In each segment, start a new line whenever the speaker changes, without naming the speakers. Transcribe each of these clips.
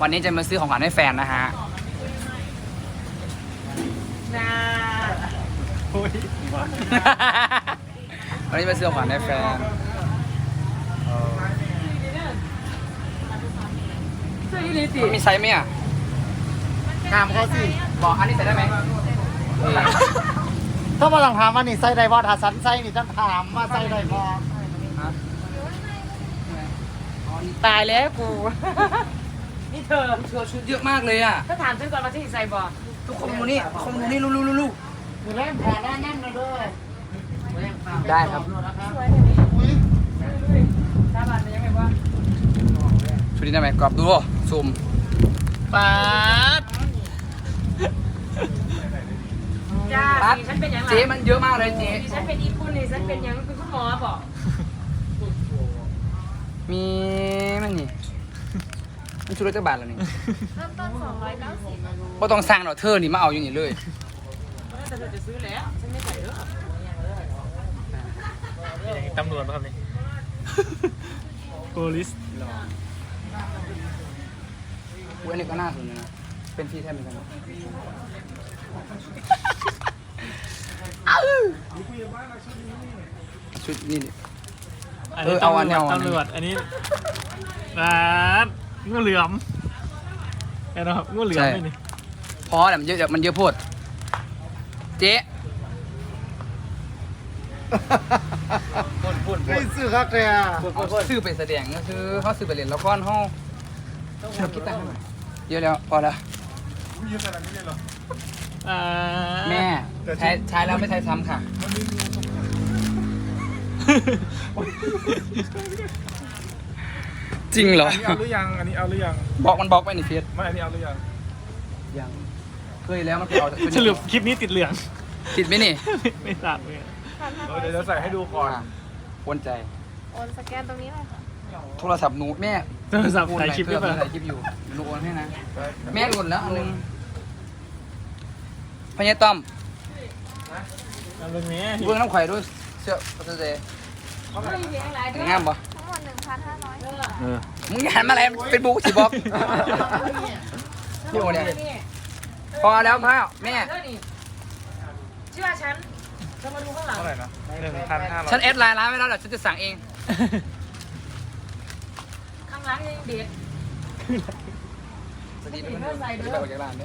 วันนี้จะมาซื้อของขวัญให้แฟนนะฮะวันนี้มาซื้อของขวัญให้แฟนมีไซส์ไหมอ่ะ
ถามเขาสิ
บอกอันนี้ใส่ได้ไหม
ถ้ามาลองถามว่านี่ไส้ไดบอถ้าสันไส้นี่ต้องถามว่าไส้ไดบอ
ตายแล้วกู นี่เธอ
ชุดเยอะมากเลยอ่ะ
ถ้าถามซื้อก่อนมาที่ใส่บอก
ทุกคนดูนี่ลูก
มือแรกขอแนะนำเลยด้วย
ได้ครับ
ถ้าบานเป็นยังไงวะ
ชุดนี้ได้ไหมกรอบดูซูม
ป๊าดจ้าสีฉันเป็นยังไง
เจ๊มันเยอะมากเลยเจ๊
สีฉันเป็นอีปุ่นนี่ฉันเป็นยังเป็นคุณหมอบอก
มีมันนี่มันชุดละจักบาทแล้วนี่
เริ่มต้น290
บ่ต้องสั่งหรอกเธอนี่มาเอาอย่างนี้เลย
แต่เธอจะซื้อแล้วฉันไม่ใส่เด้อ
ตำรวจป่ะครับนี่ โพลิส
อุ๊ยอันนี้ก็น่าสนใจนะเป็นที่แทบเหมือนกันชุดนี่ดิ
อันนี้
เอาอันนี้เอาอันนี้
ตำรวจอันนี้ร้านงูเหลือมเห็นไหมครับงูเหลือมนี่
พอแหละมันเยอะมันเยอะโพดเจ๊
ไม่ซื้อครับแต่
ซื้อไปแสดงก็คือเขาซื้อไปเล่นละครเขาเราคิดตังค์ให้หน่อยเยอะแล้วพอแล้ว
อ่า
แม่ใช้แล้วไม่ใช้ซ้ำค่ะ จริงเหรอ
อันนี้เอาหรือยัง อันนี้เอาหรือยัง
บอกมันบอกไปในเฟซ
ไม่อันนี้เอาหรือยัง
ยังเคยแล้วมันไปเอา
สรุปคลิปนี้ติดเหลือง
ติดไหมนี่
ไม่ทราบเลย
เดี๋ยวจะใส่ให้ดูก่อน
วนใจ
โอนสแกนตรงนี้เลยค่ะ
โทรศัพท์หนูแม่
โทรศัพท์ถ่ายคลิปหรือเปล่า
ถ่ายคลิปอยู่หนูโอนให้นะแม่โอนแล้วอันนึงพญาต้อม
เอาเรื่องนี้
เบื้องน้ำไข่ด้วยเสื้อพัสเดย์งามปะ
ทั้งหมด1,500
มึงหันมาอะไรเป็นบุ๊กสิบอกพี่โอเนี่ยพอแล้วพ่อแม่
เธอนี่เชื่อฉันเธอมาดูข้างหลัง
เท่าไหร่นะ1,500
ฉันแอดไลน์ร้านไว้แล้วเดี๋ยวฉันจะสั่งเอง
ข้างหลังยังเด็ด
สวัสดีทุกคนจะไปออกจากร้านด้วย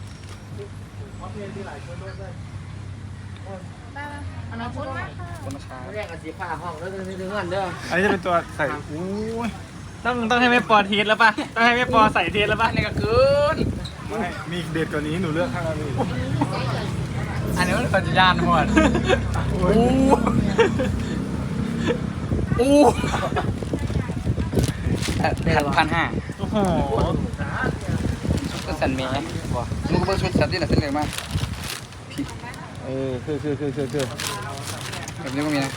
ได้ไหมขอบคุณมากค่ะ
คนมาช้า
เรียกกันสีผ้าห้องแล้วจะถึงเงินเด้อ
อันนี้จะเป็นตัวใส่อู้ย
ต้องให้แม่ปอเทสแล้วป่ะต้องให้แม่ปอใส่เทสแล้วป่ะ
อันนี้ก็เกิน
ไม่มีเด็ดกว่านี้หนูเลือกข้างละนี่
อันนี้มันปัจจุบันหมดอู้อู้1,500
โอ้โห
ชุดสันเมย์บอกมึงก็เพิ่งชุดสันที่ไหนเส้นเหลืองมาก
คือ
แบบนี้ก็มีนะ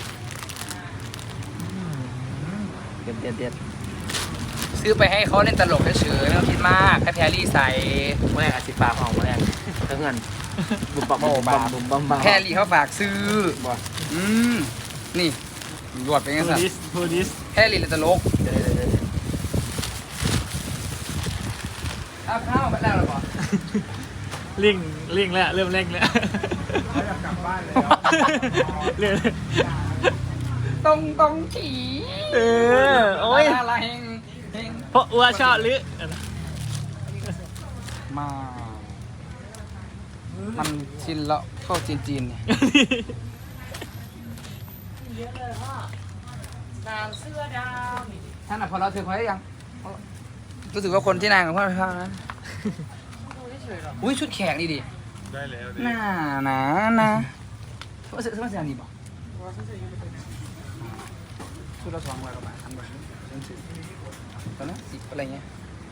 เด็ด
ซื้อไปให้เขาเล่นตลกเฉยๆไม่ต้องคิดมากให้แพรรี่ใส่
เมื่อไหร่สีฟ้าห้องเมื่อไหร่ถึงเงินบุบบับบุบบับ
แพรรี่เขาฝากซื้อนี่รวดไปไง
โพ
สัต
ลิส
ว์
โพลิส
แพรรี่เล่นตลกข้าวไปแล้วหรอปะ
ลิงแล้วเริ่มเร่งแล้ว
เขาอยากกลับบ้านแล้ว
เรื่อย
ตรงขี่
เออโอ้ย
อะไรเฮง
เพราะอัวชอบหรือ
มา มันชินแล้วเข้าจีนเนี่ย
เยอะเลยพ่อสามเสื้อดาวนี่
ท่านอ่ะพอเราถือพอได้ยังรู้สึกว่าคนที่นางกับพ่อพ่อนะ
ดูเฉยๆหรอ
อุ้ยชุดแขกนี่ดิ
ได้แล้ว
น่านะเสื้อเสื้อนี่บอกชุดละ200 กว่าบาทอันแบบตอนนั้น10อะไรเงี้ย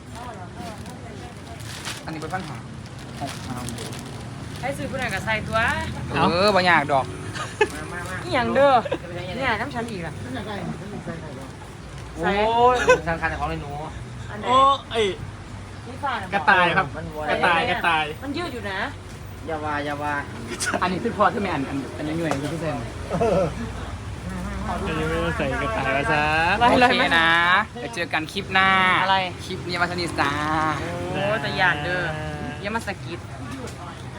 อันนี้เป็นปัญหา
ให้ซื้อผู้ใดก็ใส่ตัว
บางอย่างดอก
อีหยังเด้อเนี่ยน้ำฉันอีกล่ะ
โอ้ยสำคัญของในหนู
อันไหน
โอ้ไอ้
นี่ฟ้าน่ะ
กระต่ายครับกระต่าย
มันยืดอยู่นะ
อย่าว่า
อันนี้คือพอที่ไม่อันยังอยู่ในที่เซน
จะไม่ต้องใส่กระต่ายมาซะ
โอเคนะเดี๋ยวเจอกันคลิปหน้า
อะไร
คลิปนี้มาสนิทจ้า
โอ้แต่หยาดเด้ออย่ามาสะกิด